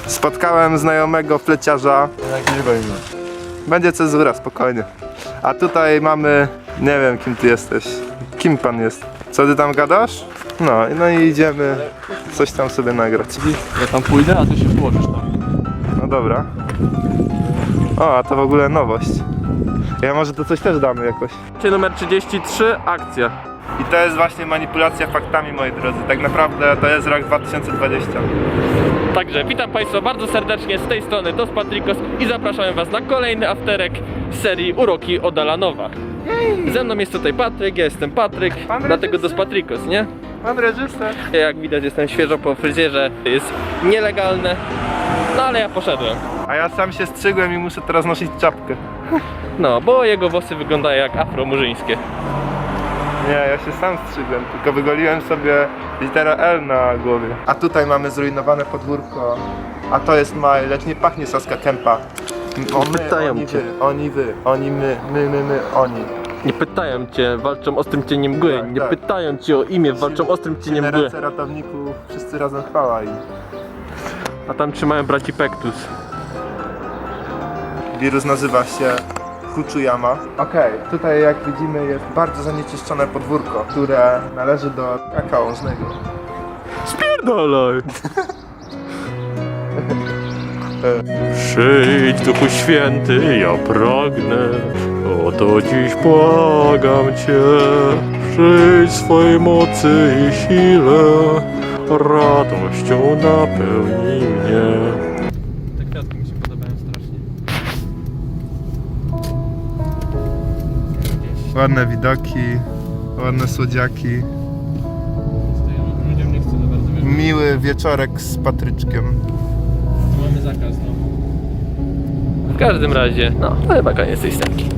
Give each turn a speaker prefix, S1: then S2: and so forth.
S1: Spotkałem znajomego fleciarza. Będzie cezura, spokojnie. A tutaj mamy... Nie wiem, kim ty jesteś. Kim pan jest? Co ty tam gadasz? No i idziemy coś tam sobie nagrać.
S2: Ja tam pójdę, a ty się włożysz tam.
S1: No dobra. O, a to w ogóle nowość. Ja może to coś też damy jakoś.
S2: Numer 33, akcja.
S1: I to jest właśnie manipulacja faktami, moi drodzy. Tak naprawdę to jest rok 2020.
S2: Także witam Państwa bardzo serdecznie, z tej strony Dos Patricos i zapraszamy Was na kolejny afterek z serii Uroki od Alanowa. Ze mną jest tutaj Patryk, ja jestem Patryk, dlatego Dos Patricos, nie?
S1: Pan reżyser.
S2: Jak widać jestem świeżo po fryzjerze, jest nielegalne, no ale ja poszedłem.
S1: A ja sam się strzygłem i muszę teraz nosić czapkę.
S2: No, bo jego włosy wyglądają jak afromurzyńskie.
S1: Nie, ja się sam strzygłem, tylko wygoliłem sobie literę L na głowie. A tutaj mamy zrujnowane podwórko. A to jest maj, lecz nie pachnie Saska Kępa.
S2: Pytają
S1: Oni
S2: cię.
S1: wy, oni wy, oni my, oni.
S2: Nie pytają cię, walczą ostrym cieniem mgły,
S1: Tak,
S2: nie
S1: tak.
S2: pytają cię o imię, walczą ostrym cieniem
S1: Na
S2: mgły.
S1: ręce ratowników, wszyscy razem chwała im.
S2: A tam trzymają braci Pektus.
S1: Wirus nazywa się Kuchujama. Okej, tutaj jak widzimy jest bardzo zanieczyszczone podwórko, które należy do kakaożnego.
S2: Spierdalaj! Przyjdź Duchu Święty, ja pragnę, o to dziś błagam Cię. Przyjdź swojej mocy i sile, radością napełnij mnie. Te kwiatki mi się podobają strasznie.
S1: Ładne widoki, ładne słodziaki.
S2: Ludziom nie chcę za bardzo wierzyć.
S1: Miły wieczorek z Patryczkiem.
S2: Mamy zakaz, no. W każdym razie, no, to chyba koniec tej stawki.